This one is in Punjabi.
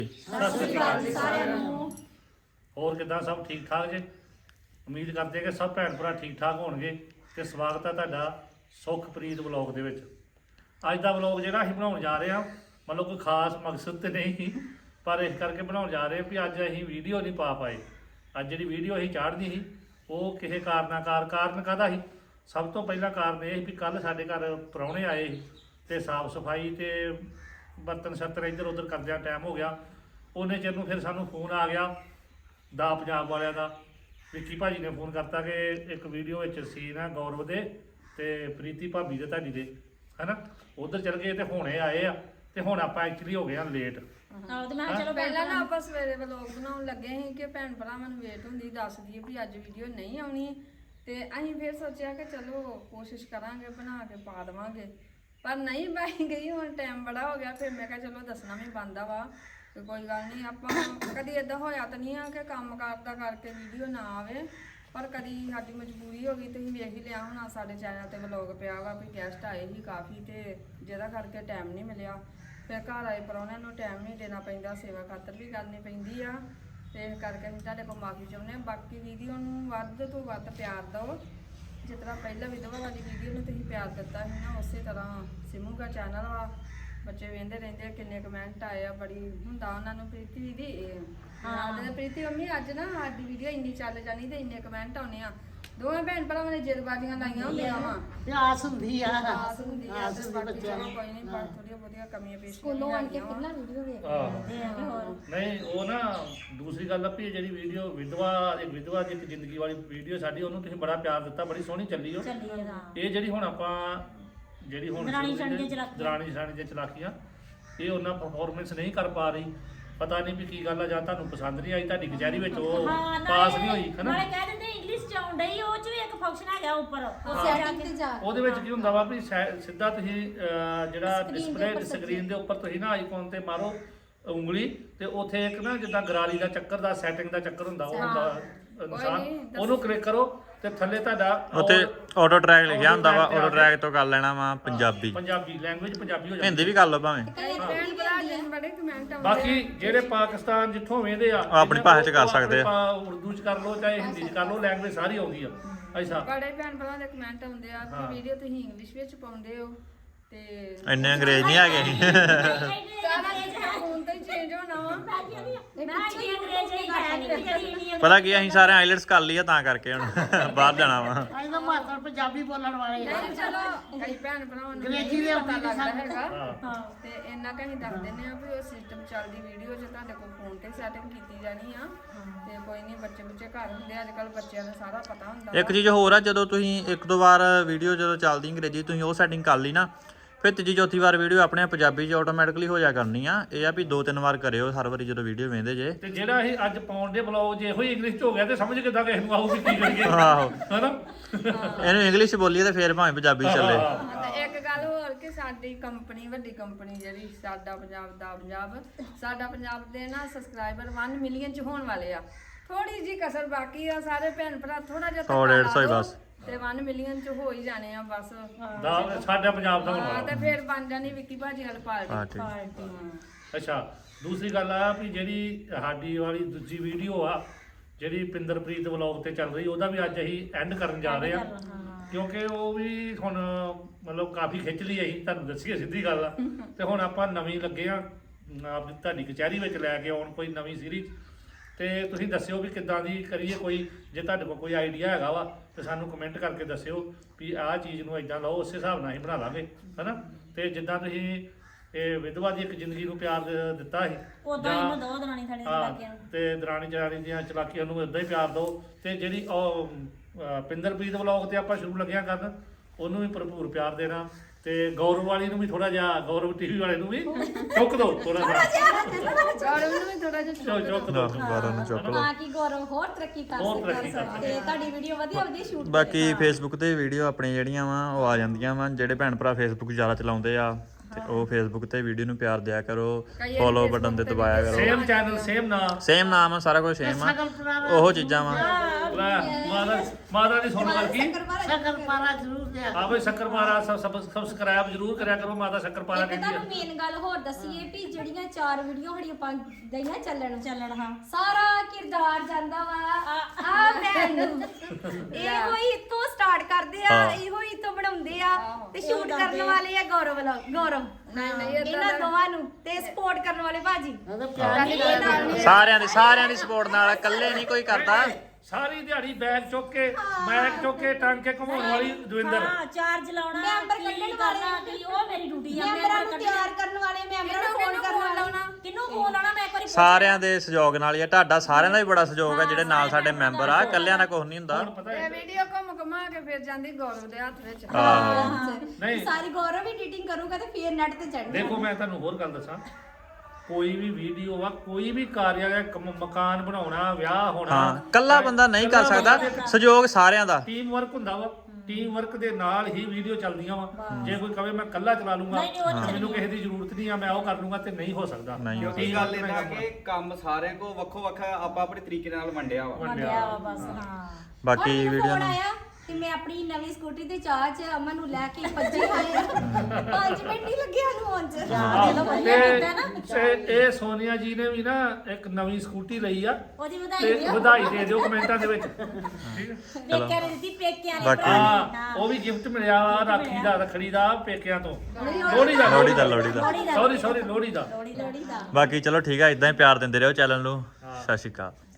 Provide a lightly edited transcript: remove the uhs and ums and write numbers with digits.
ਸਤਿ ਸ਼੍ਰੀ ਅਕਾਲ ਜੀ ਸਾਰਿਆਂ ਨੂੰ। ਹੋਰ ਕਿੱਦਾਂ ਸਭ ਠੀਕ ਠਾਕ ਜੇ? ਉਮੀਦ ਕਰਦੇ ਕਿ ਸਭ ਭੈਣ ਭਰਾ ਠੀਕ ਠਾਕ ਹੋਣਗੇ ਤੇ ਸਵਾਗਤ ਹੈ ਤੁਹਾਡਾ ਸੁਖਪ੍ਰੀਤ ਵਲੌਗ ਦੇ ਵਿੱਚ। ਅੱਜ ਦਾ ਵਲੌਗ ਜਿਹੜਾ ਅਸੀਂ ਬਣਾਉਣ ਜਾ ਰਹੇ ਹਾਂ, ਮਤਲਬ ਕੋਈ ਖਾਸ ਮਕਸਦ ਤੇ ਨਹੀਂ, ਪਰ ਇਸ ਕਰਕੇ ਬਣਾਉਣ ਜਾ ਰਹੇ ਵੀ ਅੱਜ ਅਸੀਂ ਵੀਡੀਓ ਨਹੀਂ ਪਾ ਪਾਏ। ਅੱਜ ਜਿਹੜੀ ਵੀਡੀਓ ਅਸੀਂ ਚਾੜਨੀ ਸੀ ਉਹ ਕਿਸੇ ਕਾਰਨ ਕਾਹਦਾ ਸੀ? ਸਭ ਤੋਂ ਪਹਿਲਾਂ ਕਾਰਨ ਇਹ ਸੀ ਵੀ ਕੱਲ ਸਾਡੇ ਘਰ ਪ੍ਰਾਹੁਣੇ ਆਏ ਸੀ ਤੇ ਸਾਫ ਸਫਾਈ ਤੇ ਬਰਤਨ ਸ਼ਰਤਨ ਇੱਧਰ ਉੱਧਰ ਕਰਦਿਆਂ ਟਾਈਮ ਹੋ ਗਿਆ। ਉਹਨੇ ਚਿਰ ਨੂੰ ਫਿਰ ਸਾਨੂੰ ਫੋਨ ਆ ਗਿਆ ਦਾ ਪੰਜਾਬ ਵਾਲਿਆਂ ਦਾ। ਵਿੱਕੀ ਭਾਜੀ ਨੇ ਫੋਨ ਕਰਤਾ ਕਿ ਇੱਕ ਵੀਡੀਓ ਵਿੱਚ ਸੀਨ ਹੈ ਗੌਰਵ ਦੇ ਤੇ ਪ੍ਰੀਤੀ ਭਾਬੀ ਦੇ ਤੁਹਾਡੀ ਦੇ, ਹੈਨਾ, ਉਧਰ ਚਲ ਗਏ ਤੇ ਹੁਣੇ ਆਏ ਆ ਤੇ ਹੁਣ ਆਪਾਂ ਐਕਚੁਅਲੀ ਹੋ ਗਏ ਆ ਲੇਟ। ਚਲੋ ਪਹਿਲਾਂ ਨਾ ਆਪਾਂ ਸਵੇਰੇ ਵਲੌਗ ਬਣਾਉਣ ਲੱਗੇ ਸੀ ਕਿ ਭੈਣ ਭਰਾਵਾਂ ਨੂੰ ਵੇਟ ਹੁੰਦੀ ਦੱਸ ਦਈਏ ਵੀ ਅੱਜ ਵੀਡੀਓ ਨਹੀਂ ਆਉਣੀ, ਤੇ ਅਸੀਂ ਫਿਰ ਸੋਚਿਆ ਕਿ ਚਲੋ ਕੋਸ਼ਿਸ਼ ਕਰਾਂਗੇ ਬਣਾ ਕੇ ਪਾ ਦੇਵਾਂਗੇ, ਪਰ ਨਹੀਂ ਪਾਈ ਗਈ। ਹੁਣ ਟਾਈਮ ਬੜਾ ਹੋ ਗਿਆ, ਫਿਰ ਮੈਂ ਕਿਹਾ ਚਲੋ ਦੱਸਣਾ ਵੀ ਬਣਦਾ ਵਾ ਤੇ ਕੋਈ ਗੱਲ ਨਹੀਂ। ਆਪਾਂ ਕਦੀ ਇਦਾਂ ਹੋਇਆ ਤਾਂ ਨਹੀਂ ਆ ਕਿ ਕੰਮ ਕਰਦਾ ਕਰਕੇ ਵੀਡੀਓ ਨਾ ਆਵੇ, ਪਰ ਕਦੀ ਸਾਡੀ ਮਜਬੂਰੀ ਹੋ ਗਈ। ਤੁਸੀਂ ਵੇਖ ਹੀ ਲਿਆ ਹੁਣ ਸਾਡੇ ਚੈਨਲ ਤੇ ਵਲੌਗ ਪਿਆ ਵਾ ਵੀ ਗੈਸਟ ਆਏ ਸੀ ਕਾਫੀ ਤੇ ਜਿਹਦਾ ਕਰਕੇ ਟਾਈਮ ਨਹੀਂ ਮਿਲਿਆ। ਫਿਰ ਘਰ ਆਏ ਪ੍ਰਾਹੁਣਿਆਂ ਨੂੰ ਟਾਈਮ ਨਹੀਂ ਦੇਣਾ ਪੈਂਦਾ, ਸੇਵਾ ਖਾਤਰ ਵੀ ਕਰਨੀ ਪੈਂਦੀ ਆ, ਤੇ ਇਸ ਕਰਕੇ ਅਸੀਂ ਤੁਹਾਡੇ ਕੋਲ ਮਾਫੀ ਚਾਹੁੰਦੇ ਹਾਂ। ਬਾਕੀ ਵੀਡੀਓ ਨੂੰ ਵੱਧ ਤੋਂ ਵੱਧ ਪਿਆਰ ਦਿਓ, ਜਿਸ ਤਰ੍ਹਾਂ ਪਹਿਲਾਂ ਵਿਧਵਾ ਵਾਲੀ ਵੀਡੀਓ ਨੂੰ ਤੁਸੀਂ ਪਿਆਰ ਦਿੱਤਾ ਸੀ ਨਾ, ਉਸੇ ਤਰ੍ਹਾਂ ਸਿਮੂ ਦਾ ਚੈਨਲ ਵਾ, ਬੱਚੇ ਵੇਖਦੇ ਰਹਿੰਦੇ ਆ, ਕਿੰਨੇ ਕਮੈਂਟ ਆਏ ਆ, ਬੜੀ ਹੁੰਦਾ ਉਹਨਾਂ ਨੂੰ ਪ੍ਰੀਤੀ ਦੀ ਹਾਂ ਪ੍ਰੀਤੀ ਮੰਮੀ ਅੱਜ ਨਾ ਸਾਡੀ ਵੀਡੀਓ ਇੰਨੀ ਚੱਲ ਜਾਣੀ ਤੇ ਇੰਨੇ ਕਮੈਂਟ ਆਉਣੇ ਆ। ਦੋਵੇਂ ਭੈਣ ਭਰਾਵਾਂ ਨੇ ਜਿੱਦਬਾਜ਼ੀਆਂ ਲਾਈਆਂ ਹੁੰਦੀਆਂ ਵਾ, ਆਸ ਹੁੰਦੀ ਆ ਆਸ ਹੁੰਦੀ ਆ ਤੇ ਬਾਕੀ ਚਲੋ ਕੋਈ ਨਹੀਂ, ਪਰ ਥੋੜੀਆਂ ਬਹੁਤੀਆਂ ਕਮੀਆਂ ਪੇਸ਼ ਸਕੂਲੋਂ ਆਣ ਕੇ ਪਹਿਲਾਂ ਵੀਡੀਓ ਵੇਖਦੇ ਆ ਹੋਰ ਨਹੀਂ ਉਹ ਨਾ ਦੂਸਰੀ ਗੱਲ ਆ ਵੀ ਇਹ ਜਿਹੜੀ ਵੀਡੀਓ ਵਿਧਵਾ ਦੀ ਇੱਕ ਜ਼ਿੰਦਗੀ ਵਾਲੀ ਵੀਡੀਓ ਸਾਡੀ, ਉਹਨੂੰ ਤੁਸੀਂ ਬੜਾ ਪਿਆਰ ਦਿੱਤਾ, ਬੜੀ ਸੋਹਣੀ ਚੱਲੀ ਉਹ। ਇਹ ਜਿਹੜੀ ਹੁਣ ਆਪਾਂ ਜਿਹੜੀ ਹੁਣ ਦਰਾਣੀ ਜਠਾਣੀ ਦੀਆਂ ਚਲਾਕੀਆਂ, ਇਹ ਉਹਨਾਂ ਪਰਫਾਰਮੈਂਸ ਨਹੀਂ ਕਰ ਪਾ ਰਹੀ। ਪਤਾ ਨਹੀਂ ਵੀ ਕੀ ਗੱਲ ਆ, ਜਾਂ ਤੁਹਾਨੂੰ ਪਸੰਦ ਨਹੀਂ ਆਈ, ਤੁਹਾਡੀ ਕਚਹਿਰੀ ਵਿੱਚ ਉਹ ਪਾਸ ਨਹੀਂ ਹੋਈ, ਹੈ ਨਾ। ਨਾਲੇ ਕਹਿ ਦਿੰਦੇ ਇੰਗਲਿਸ਼ ਚ ਆਉਣ ਡਈ, ਉਹ ਚ ਵੀ ਇੱਕ ਫੰਕਸ਼ਨ ਹੈਗਾ ਉੱਪਰ ਸੈਟਿੰਗ ਤੇ ਜਾ ਉਹਦੇ ਵਿੱਚ ਕੀ ਹੁੰਦਾ ਵਾ ਵੀ ਸਿੱਧਾ ਤੁਸੀਂ ਜਿਹੜਾ ਡਿਸਪਲੇ ਸਕਰੀਨ ਦੇ ਉੱਪਰ ਤੁਸੀਂ ਨਾ ਆਈਕਨ ਤੇ ਮਾਰੋ ਉਂਗਲੀ, ਤੇ ਉੱਥੇ ਇੱਕ ਨਾ ਜਿੱਦਾਂ ਗਰਾਰੀ ਦਾ ਚੱਕਰ ਦਾ ਸੈਟਿੰਗ ਦਾ ਚੱਕਰ ਹੁੰਦਾ, ਉਹ ਹੁੰਦਾ ਨਿਸ਼ਾਨ, ਉਹਨੂੰ ਕਲਿੱਕ ਕਰੋ ਤੇ ਥੱਲੇ ਤੁਹਾਡਾ ਉੱਥੇ ਆਟੋ ਟਰੈਕ ਲਿਖਿਆ ਹੁੰਦਾ ਵਾ, ਆਟੋ ਟਰੈਕ ਤੋਂ ਕਰ ਲੈਣਾ ਵਾ ਪੰਜਾਬੀ ਲੈਂਗੁਏਜ ਪੰਜਾਬੀ ਹੋ ਜਾਂਦੀ, ਹਿੰਦੀ ਵੀ ਕਰ ਲਓ ਭਾਵੇਂ। ਭੈਣ ਭਰਾ ਜੀ ਬੜੇ ਕਮੈਂਟ ਆਉਂਦੇ ਬਾਕੀ ਜਿਹੜੇ ਪਾਕਿਸਤਾਨ ਜਿੱਥੋਂ ਵੇਂਦੇ ਆ ਆਪਣੀ ਭਾਸ਼ਾ 'ਚ ਕਰ ਸਕਦੇ ਆ, ਉਰਦੂ 'ਚ ਕਰ ਲਓ ਚਾਹੇ ਹਿੰਦੀ 'ਚ ਕਰ ਲਓ, ਲੈਂਗੁਏਜ ਸਾਰੀ ਆਉਂਦੀ ਆ। ਐਸਾ ਬੜੇ ਭੈਣ ਭਰਾ ਦੇ ਕਮੈਂਟ ਆਉਂਦੇ ਆ ਕਿ ਵੀਡੀਓ ਤੁਸੀਂ ਇੰਗਲਿਸ਼ ਵਿੱਚ ਪਾਉਂਦੇ ਹੋ ਤੇ ਇੰਨੇ ਅੰਗਰੇਜ਼ ਨਹੀਂ ਹੈਗੇ ਸੀ। ਸਾਰਾ ਫੋਨ ਤੇ ਚੇਂਜ ਹੋਣਾ ਵਾ। ਪਤਾ ਕੀ ਅਸੀਂ ਸਾਰੇ ਆਈਲੈਟਸ ਕਰ ਲਈ ਆ, ਤਾਂ ਕਰਕੇ ਹੁਣ ਬਾਹਰ ਜਾਣਾ ਵਾ। ਅਸੀਂ ਤਾਂ ਮਾਤਰ ਪੰਜਾਬੀ ਬੋਲਣ ਵਾਲੇ ਆ। ਨਹੀਂ ਚਲੋ ਕਈ ਭੈਣ ਭਰਾਵਾਂ ਨੂੰ ਅੰਗਰੇਜ਼ੀ ਦੇ ਪਤਾ ਉੱਤੇ ਲੱਗਦਾ ਸਾਨੂੰ ਹੈਗਾ, ਤੇ ਇੰਨਾ ਕਿ ਅਸੀਂ ਦੱਸ ਦਿੰਦੇ ਆ ਵੀ ਉਹ ਸਿਸਟਮ ਚੱਲਦੀ ਵੀਡੀਓ 'ਚ ਤੁਹਾਡੇ ਕੋਲ ਫੋਨ ਤੇ ਸੈਟਿੰਗ ਕੀਤੀ ਜਾਣੀ ਆ, ਤੇ ਕੋਈ ਨਹੀਂ ਬੱਚੇ ਘਰ ਹੁੰਦੇ, ਅੱਜ ਕੱਲ ਬੱਚਿਆਂ ਨੂੰ ਸਾਰਾ ਪਤਾ ਹੁੰਦਾ। ਇੱਕ ਚੀਜ਼ ਹੋਰ ਆ, ਜਦੋਂ ਤੁਸੀਂ ਇੱਕ ਦੋ ਵਾਰ ਵੀਡੀਓ ਜਦੋਂ ਚੱਲਦੀ ਅੰਗਰੇਜ਼ੀ ਤੁਸੀਂ ਉਹ ਸੈਟਿੰਗ ਕਰ ਲਈ ਨਾ, ਫਿਰ ਤੀਜੀ ਚੌਥੀ ਵਾਰ ਵੀਡੀਓ ਆਪਣੇ ਪੰਜਾਬੀ 'ਚ ਆਟੋਮੈਟਿਕਲੀ ਹੋ ਜਾ ਕਰਨੀ ਆ। ਇਹ ਆ ਵੀ 2-3 ਵਾਰ ਕਰਿਓ ਹਰ ਵਾਰੀ ਜਦੋਂ ਵੀਡੀਓ ਵੇਖਦੇ ਜੇ। ਤੇ ਜਿਹੜਾ ਇਹ ਅੱਜ ਪਾਉਣ ਦੇ ਬਲੌਗ ਜੇ ਇਹੋ ਹੀ ਇੰਗਲਿਸ਼ 'ਚ ਹੋ ਗਿਆ ਤੇ ਸਮਝ ਕਿੱਦਾਂ ਕਿਸੇ ਨੂੰ ਆਊਗੀ ਕੀ ਕਰੀਏ, ਆਹੋ ਹੈਨਾ। ਇਹਨੂੰ ਇੰਗਲਿਸ਼ 'ਚ ਬੋਲੀਏ ਤੇ ਫਿਰ ਭਾਵੇਂ ਪੰਜਾਬੀ 'ਚ ਚੱਲੇ। ਤੇ ਇੱਕ ਗੱਲ ਹੋਰ ਕਿ ਸਾਡੀ ਕੰਪਨੀ, ਵੱਡੀ ਕੰਪਨੀ ਜਿਹੜੀ ਸਾਡਾ ਪੰਜਾਬ ਦੇ ਨਾ ਸਬਸਕ੍ਰਾਈਬਰ 1 ਮਿਲੀਅਨ 'ਚ ਹੋਣ ਵਾਲੇ ਆ। ਥੋੜੀ ਜੀ ਕਸਰ ਬਾਕੀ ਆ, ਸਾਰੇ ਭੈਣ ਭਰਾ ਥੋੜਾ ਜਿਹਾ 100-150 ਹੀ ਬਸ, ਤੇ 1 ਮਿਲੀਅਨ 'ਚ ਹੋ ਹੀ ਜਾਣੇ ਆ ਬਸ। ਸਾਡਾ ਪੰਜਾਬ ਦਾ ਹਾਂ ਹੋਣਾ। ਤੇ ਫਿਰ ਬਣ ਜਾਣੀ ਵਿੱਕੀ ਭਾਜੀ ਵਾਲੀ ਪਾਰਟੀ। ਅੱਛਾ, ਦੂਸਰੀ ਗੱਲ ਆ ਵੀ ਜਿਹੜੀ ਸਾਡੀ ਵਾਲੀ ਦੂਜੀ ਵੀਡੀਓ ਆ ਜਿਹੜੀ ਪਿੰਦਰਪ੍ਰੀਤ ਵਲੌਗ ਤੇ ਚੱਲ ਰਹੀ, ਉਹਦਾ ਵੀ ਅੱਜ ਅਸੀਂ ਐਂਡ ਕਰਨ ਜਾ ਰਹੇ ਆ, ਕਿਉਂਕਿ ਉਹ ਵੀ ਹੁਣ ਮਤਲਬ ਕਾਫੀ ਖਿੱਚ ਲਈ ਅਸੀਂ, ਤੁਹਾਨੂੰ ਦੱਸੀਏ ਸਿੱਧੀ ਗੱਲ ਆ। ਤੇ ਹੁਣ ਆਪਾਂ ਨਵੀਂ ਲੱਗੇ ਆ ਆਪਣੀ ਤੁਹਾਡੀ ਕਚਹਿਰੀ ਵਿੱਚ ਲੈ ਕੇ ਆਉਣ ਕੋਈ ਨਵੀਂ ਸੀਰੀਜ਼, ਤੇ ਤੁਸੀਂ ਦੱਸਿਓ ਵੀ ਕਿੱਦਾਂ ਦੀ ਕਰੀਏ। ਕੋਈ ਜੇ ਤੁਹਾਡੇ ਕੋਲ ਕੋਈ ਆਈਡੀਆ ਹੈਗਾ ਵਾ ਤੇ ਸਾਨੂੰ ਕਮੈਂਟ ਕਰਕੇ ਦੱਸਿਓ ਵੀ ਆਹ ਚੀਜ਼ ਨੂੰ ਇਦਾਂ ਲਾਓ, ਉਸੇ ਹਿਸਾਬ ਨਾਲ ਅਸੀਂ ਬਣਾ ਲਾਂਗੇ, ਹਨਾ। ਤੇ ਜਿੱਦਾਂ ਤੁਸੀਂ ਇਹ ਵਿਧਵਾ ਦੀ ਇੱਕ ਜ਼ਿੰਦਗੀ ਨੂੰ ਪਿਆਰ ਦਿੱਤਾ ਸੀ, ਉਦਾਂ ਇਹਨੂੰ ਦੋ ਦਰਾਣੀ ਥਾਣੀ ਹਾਂ, ਤੇ ਦਰਾਣੀ ਜਠਾਣੀ ਦੀਆਂ ਚਲਾਕੀਆਂ ਨੂੰ ਇਦਾਂ ਹੀ ਪਿਆਰ ਦਿਓ। ਤੇ ਜਿਹੜੀ ਉਹ ਪਿੰਦਰਪ੍ਰੀਤ ਵਲੌਗ ਤੇ ਆਪਾਂ ਸ਼ੁਰੂ ਲੱਗਿਆ ਕਰਨ, ਉਹਨੂੰ ਵੀ ਭਰਪੂਰ ਪਿਆਰ ਦੇਣਾ, ਤੇ ਗੌਰਵ ਵਾਲੀ ਨੂੰ ਵੀ ਥੋੜਾ ਜਿਹਾ, ਗੌਰਵ ਟੀਵੀ ਵਾਲੇ ਨੂੰ ਵੀ ਚੁੱਕ ਦਿਓ ਥੋੜਾ ਜਿਹਾ, ਗੌਰਵ ਨੂੰ ਵੀ ਥੋੜਾ ਜਿਹਾ ਚੁੱਕ ਦਿਓ। ਬਾਰਾਂ ਨੂੰ ਚੁੱਕ ਲਓ। ਤਾਂ ਕਿ ਗੌਰਵ ਹੋਰ ਤਰੱਕੀ ਕਰ ਸਕੇ ਤੇ ਤੁਹਾਡੀ ਵੀਡੀਓ ਵਧੀਆ ਸ਼ੂਟ ਕਰੇ। ਬਾਕੀ ਫੇਸਬੁੱਕ ਤੇ ਵੀਡੀਓ ਆਪਣੀ ਜਿਹੜੀਆਂ ਵਾ ਉਹ ਆ ਜਾਂਦੀਆਂ ਵਾ, ਜਿਹੜੇ ਭੈਣ ਭਰਾ ਫੇਸਬੁੱਕ ਜ਼ਿਆਦਾ ਚਲਾਉਂਦੇ ਆ ਤੇ ਉਹ ਫੇਸਬੁੱਕ ਤੇ ਵੀਡੀਓ ਨੂੰ ਪਿਆਰ ਦਿਆ ਕਰੋ, ਫੋਲੋ ਬਟਨ ਤੇ ਦਬਾਇਆ ਕਰੋ। ਸੇਮ ਚੈਨਲ ਸੇਮ ਨਾਮ ਆ, ਸਾਰਾ ਕੁਝ ਸੇਮ ਆ, ਉਹ ਚੀਜ਼ਾਂ ਵਾ। ਮਾਤਾ ਦੀ ਸੁਣ ਵਰਗੀ ਸ਼ਕਰ ਪਾਰਾ ਜ਼ਰੂਰ ਪੁੱਛਦੇ ਆ ਆ ਬਈ ਸ਼ੱਕਰਪਾਰਾ ਸਬਸਕ੍ਰਾਈਬ ਜ਼ਰੂਰ ਕਰਿਆ ਕਰੋ। ਮਾਤਾ ਸ਼ੱਕਰਪਾਰਾ ਇੱਕ ਕਹਿੰਦੀ ਤੁਹਾਨੂੰ ਹੈ ਮੇਨ ਗੱਲ ਹੋਰ ਦੱਸੀਏ ਵੀ ਜਿਹੜੀਆਂ 4 ਵੀਡੀਓ ਸਾਡੀਆਂ ਪੰਜ ਗਈਆਂ ਚੱਲਣ ਹਾਂ ਸਾਰਾ ਕਿਰਦਾਰ ਜਾਂਦਾ ਵਾ ਆ ਭੈਣ ਨੂੰ ਇਹੋ ਹੀ ਇੱਥੋਂ ਸਟਾਰਟ ਕਰਦੇ ਆ ਹਾਂ। ਇਹੋ ਹੀ ਇੱਥੋਂ ਬਣਾਉਂਦੇ ਆ ਤੇ ਸ਼ੂਟ ਕਰਨ ਵਾਲੇ ਆ ਗੌਰਵ ਨਹੀਂ ਇਹਨਾਂ ਦੋਵਾਂ ਨੂੰ ਤੇ ਸਪੋਰਟ ਕਰਨ ਵਾਲੇ ਭਾਜੀ ਉਹਦਾ ਪਿਆਰ ਨਹੀਂ ਕਰਦਾ ਸਾਰਿਆਂ ਦੀ ਸਪੋਰਟ ਨਾਲ ਇਕੱਲੇ ਨਹੀਂ ਕੋਈ ਕਰਦਾ। ਸਾਰੀ ਦਿਹਾੜੀ ਬੈਗ ਚੁੱਕ ਕੇ ਮੈਕ ਚੁੱਕ ਕੇ ਟੰਗ ਕੇ ਘੁਮਾਉਣ ਵਾਲੀ ਦਵਿੰਦਰ। ਚਾਰਜ ਲਾਉਣਾ ਮੈਂਬਰ ਕੀ ਕੱਢਣ ਕਰਨਾ ਵਾਲੇ ਕੀ ਉਹ ਮੇਰੀ ਡਿਊਟੀ ਆ ਮੈਂਬਰਾਂ ਨੂੰ ਤਿਆਰ ਕਰਨ ਵਾਲੇ ਮੈਂਬਰਾਂ ਨੂੰ ਫੋਨ ਕਰਨ ਵਾਲੇ ਕਿਹਨੂੰ ਫੋਨ ਲਾਉਣਾ ਮੈਂ ਇੱਕ ਵਾਰੀ ਸਾਰਿਆਂ ਦੇ ਸਹਿਯੋਗ ਨਾਲ ਹੀ ਆ। ਤੁਹਾਡਾ ਸਾਰਿਆਂ ਦਾ ਵੀ ਬੜਾ ਸਹਿਯੋਗ ਆ ਜਿਹੜੇ ਨਾਲ ਸਾਡੇ ਮੈਂਬਰ ਆ। ਇਕੱਲਿਆਂ ਦਾ ਕੁਝ ਨਹੀਂ ਹੁੰਦਾ। ਹੁਣ ਪਤਾ ਹੈ ਇਹ ਵੀਡੀਓ ਘੁੰਮਾ ਕੇ ਫਿਰ ਜਾਂਦੀ ਗੌਰਵ ਦੇ ਹੱਥ ਵਿੱਚ ਆਹੋ ਨਹੀਂ ਸਾਰੀ ਗੌਰਵ ਵੀ ਐਡੀਟਿੰਗ ਕਰੂਗਾ ਤੇ ਫੇਰ ਨੈਟ ਤੇ ਚੜ੍ਹਨਾ ਦੇਖੋ ਮੈਂ ਤੁਹਾਨੂੰ ਹੋਰ ਗੱਲ ਦੱਸਾਂ, ਕੋਈ ਵੀ ਵੀਡੀਓ ਆ ਕੋਈ ਵੀ ਕਾਰਿਆ ਹੈ ਮਕਾਨ ਬਣਾਉਣਾ ਵਿਆਹ ਹੋਣਾ ਹਾਂ ਕੱਲਾ ਬੰਦਾ ਨਹੀਂ ਕਰ ਸਕਦਾ। ਸਹਿਯੋਗ ਸਾਰਿਆਂ ਦਾ। ਟੀਮ ਵਰਕ ਹੁੰਦਾ ਵਾ। ਟੀਮ ਵਰਕ ਦੇ ਨਾਲ ਹੀ ਵੀਡੀਓ ਚੱਲਦੀਆਂ ਵਾ। ਜੇ ਕੋਈ ਕਵੇ ਮੈਂ ਕੱਲਾ ਚਲਾ ਲੂੰਗਾ ਮੈਨੂੰ ਕਿਸੇ ਦੀ ਜ਼ਰੂਰਤ ਨਹੀਂ ਆ ਮੈਂ ਉਹ ਕਰ ਲੂੰਗਾ ਤੇ ਨਹੀਂ ਹੋ ਸਕਦਾ। ਨਹੀਂ ਹੋ ਕਿਉਂਕਿ ਗੱਲ ਇਹਦਾ ਕਿ ਕੰਮ ਸਾਰਿਆਂ ਕੋ ਵੱਖੋ ਵੱਖ ਆਪਾਂ ਆਪਣੇ ਤਰੀਕੇ ਨਾਲ ਵੰਡਿਆ ਵਾ। ਵੰਡਿਆ ਵਾ ਬਸ ਹਾਂ ਬਾਕੀ ਵੀਡੀਓ ਫੋਨ ਨੂੰ ਆਇਆ ਤੇ ਮੈਂ ਆਪਣੀ ਨਵੀਂ ਸਕੂਟੀ ਤੇ ਚਾਹ ਚ ਅਮਨ ਨੂੰ ਲੈ ਕੇ ਭੱਜੀ ਆਏ 5 ਮਿੰਟ ਨਹੀਂ ਲੱਗਿਆ ਨੂੰ ਆਉਣ ਚ ਤੇ ਇਹ ਸੋਨੀਆ ਜੀ ਨੇ ਵੀ ਨਾ ਇੱਕ ਨਵੀਂ ਸਕੂਟੀ ਲਈ ਆ ਉਹਦੀ ਤੇ ਵਧਾਈ ਦਿਓ ਵਧਾਈ ਦੇ ਦਿਓ ਕਮੈਂਟਾਂ ਦੇ ਵਿੱਚ। ਠੀਕ ਹੈ ਪੇਕਿਆਂ ਨੇ ਦਿੱਤੀ ਪੇਕਿਆਂ ਨੇ ਬਾਕੀ ਹਾਂ ਉਹ ਵੀ ਗਿਫਟ ਮਿਲਿਆ ਵਾ ਰਾਖੀ ਦਾ ਰੱਖੜੀ ਦਾ ਪੇਕਿਆਂ ਤੋਂ ਲੋਹੜੀ ਦਾ ਲੋਹੜੀ ਦਾ ਸੌਰੀ ਲੋਹੜੀ ਦਾ। ਲੋੜੀ ਦਾ ਬਾਕੀ ਚਲੋ ਠੀਕ ਆ, ਇਦਾਂ ਹੀ ਪਿਆਰ ਦਿੰਦੇ ਰਹੋ ਚੈਨਲ ਨੂੰ। ਸਤਿ ਸ਼੍ਰੀ ਅਕਾਲ।